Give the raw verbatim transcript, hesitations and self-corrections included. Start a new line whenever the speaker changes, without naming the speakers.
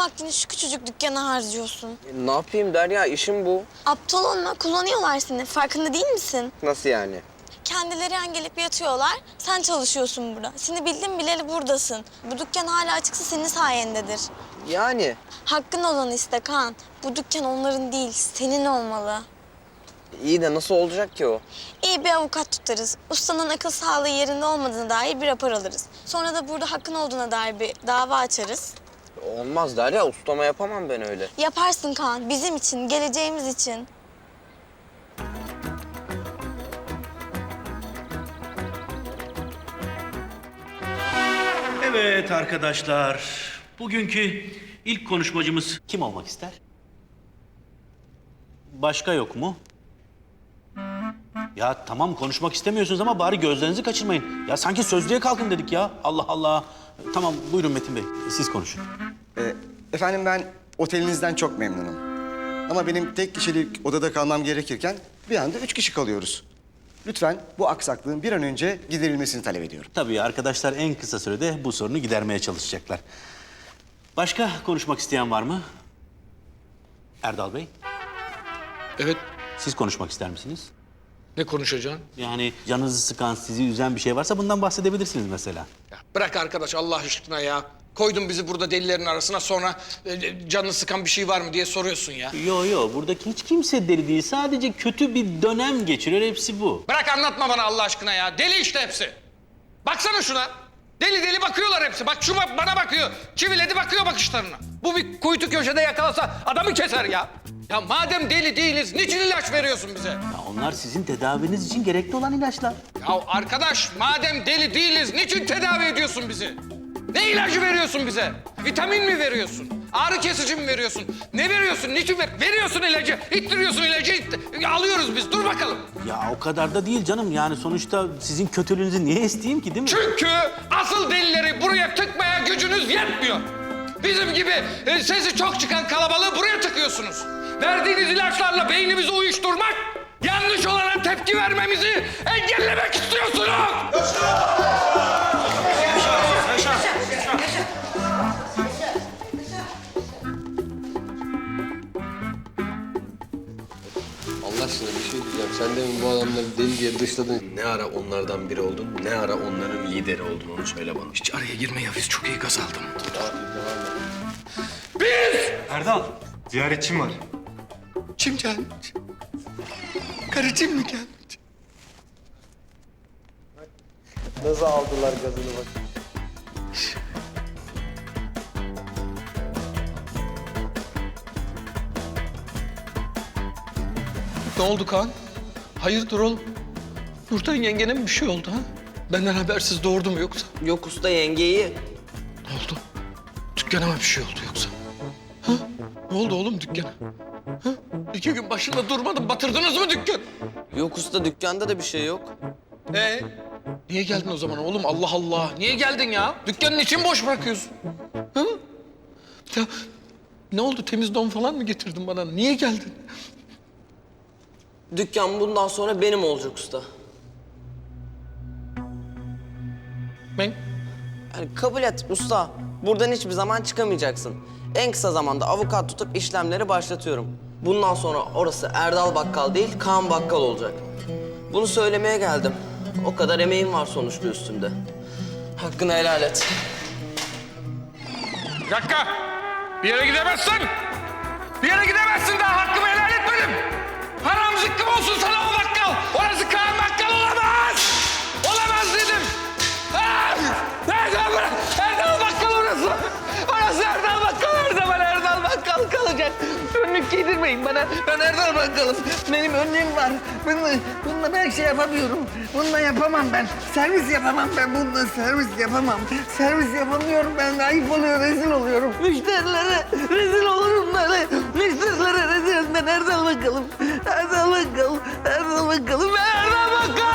vaktini şu küçücük dükkana harcıyorsun.
E, ne yapayım Derya, işim bu.
Aptal olma, kullanıyorlar seni. Farkında değil misin?
Nasıl yani?
Kendileri yan gelip yatıyorlar, sen çalışıyorsun burada. Seni bildim bileli buradasın. Bu dükkan hala açıksa senin sayendedir.
Yani?
Hakkın olanı iste Kaan. Bu dükkan onların değil, senin olmalı.
İyi de nasıl olacak ki o?
İyi bir avukat tutarız. Ustanın akıl sağlığı yerinde olmadığına dair bir rapor alırız. Sonra da burada hakkın olduğuna dair bir dava açarız.
Olmaz Derya, ustama yapamam ben öyle.
Yaparsın Kaan, bizim için, geleceğimiz için.
Evet arkadaşlar, bugünkü ilk konuşmacımız kim olmak ister? Başka yok mu? Ya tamam konuşmak istemiyorsunuz ama bari gözlerinizi kaçırmayın. Ya sanki sözlüğe kalkın dedik ya. Allah Allah. Tamam buyurun Metin Bey, siz konuşun.
Ee, efendim ben otelinizden çok memnunum. Ama benim tek kişilik odada kalmam gerekirken bir anda üç kişi kalıyoruz. Lütfen bu aksaklığın bir an önce giderilmesini talep ediyorum.
Tabii arkadaşlar en kısa sürede bu sorunu gidermeye çalışacaklar. Başka konuşmak isteyen var mı? Erdal Bey,
Evet,
siz konuşmak ister misiniz?
ne konuşacaksın?
Yani canınızı sıkan, sizi üzen bir şey varsa bundan bahsedebilirsiniz mesela.
Ya bırak arkadaş Allah aşkına ya. Koydun bizi burada delilerin arasına, sonra e, canını sıkan bir şey var mı diye soruyorsun ya.
Yo yo, buradaki hiç kimse deli değil. Sadece kötü bir dönem geçiriyor, hepsi bu.
Bırak anlatma bana Allah aşkına ya. Deli işte hepsi. Baksana şuna. Deli deli bakıyorlar hepsi. Bak şu bak- bana bakıyor. Çiviledi bakıyor bakışlarına. Bu bir kuytu köşede yakalasa adamı keser ya. Ya madem deli değiliz, niçin ilaç veriyorsun bize?
Ya onlar sizin tedaviniz için gerekli olan ilaçlar.
Ya arkadaş, madem deli değiliz, niçin tedavi ediyorsun bizi? Ne ilacı veriyorsun bize? Vitamin mi veriyorsun? Ağrı kesici mi veriyorsun? Ne veriyorsun? Niçin ver? Veriyorsun ilacı, ittiriyorsun ilacı, itt- alıyoruz biz. Dur bakalım.
Ya o kadar da değil canım. Yani sonuçta sizin kötülüğünüzü niye isteyeyim ki, değil mi?
Çünkü asıl delileri buraya tıkmaya gücünüz yetmiyor. Bizim gibi e, sesi çok çıkan kalabalığı buraya tıkıyorsunuz. Verdiğiniz ilaçlarla beynimizi uyuşturmak, yanlış olana tepki vermemizi engellemek istiyorsunuz.
Allah aşkına bir şey diyeceğim. Sen demin bu adamları deli diye dışladın. Ne ara onlardan biri oldun, ne ara onların lideri oldun, onu söyle bana.
Hiç araya girme ya, biz çok iyi gaz aldım.
Erdal, ziyaretçim var.
Kim gelmiş? Karıcığım mı gelmiş?
Nasıl aldılar gazını bak.
Ne oldu Kaan? Hayırdır oğlum? Nurten yengene mi bir şey oldu ha? Benden habersiz doğurdu mu yoksa?
Yok usta, yengeyi.
Ne oldu? Dükkana mı bir şey oldu yoksa? Ha? Ne oldu oğlum dükkana? Ha? İki gün başında durmadım, batırdınız mı dükkan?
Yok usta, dükkanda da bir şey yok.
Ee? Niye geldin o zaman oğlum? Allah Allah! Niye geldin ya? Dükkanın için boş bırakıyorsun. Ha? Ya, ne oldu? Temiz don falan mı getirdin bana? Niye geldin?
Dükkan bundan sonra benim olacak usta.
Ben...
Yani kabul et usta. Buradan hiçbir zaman çıkamayacaksın. En kısa zamanda avukat tutup işlemleri başlatıyorum. Bundan sonra orası Erdal Bakkal değil, Kaan Bakkal olacak. Bunu söylemeye geldim. O kadar emeğim var sonuçta üstünde. Hakkını helal et.
Bir dakika! Bir yere gidemezsin! Bir yere gidemezsin, daha hakkımı helal etmedim! Haram zıkkım olsun sana o bakkal! Orası Kaan Bakkal olamaz! Olamaz dedim! Ah! Erdal, Erdal Bakkal orası! Orası Erdal Bakkal, her zaman Erdal Bakkal kalacak! Önlük giydirmeyin bana, ben Erdal Bakkal'ım. Benim önlüğüm var. Bununla, bununla ben şey yapamıyorum. Bununla yapamam ben. Servis yapamam ben, bununla servis yapamam. Servis yapamıyorum ben, ayıp oluyor, rezil oluyorum. Müşterilere rezil olurum ben. Müşterilere rezil, ben Erdal Bakkal'ım. Erdal Bakkal, Erdal Bakkal'ım, Erdal Bakkal!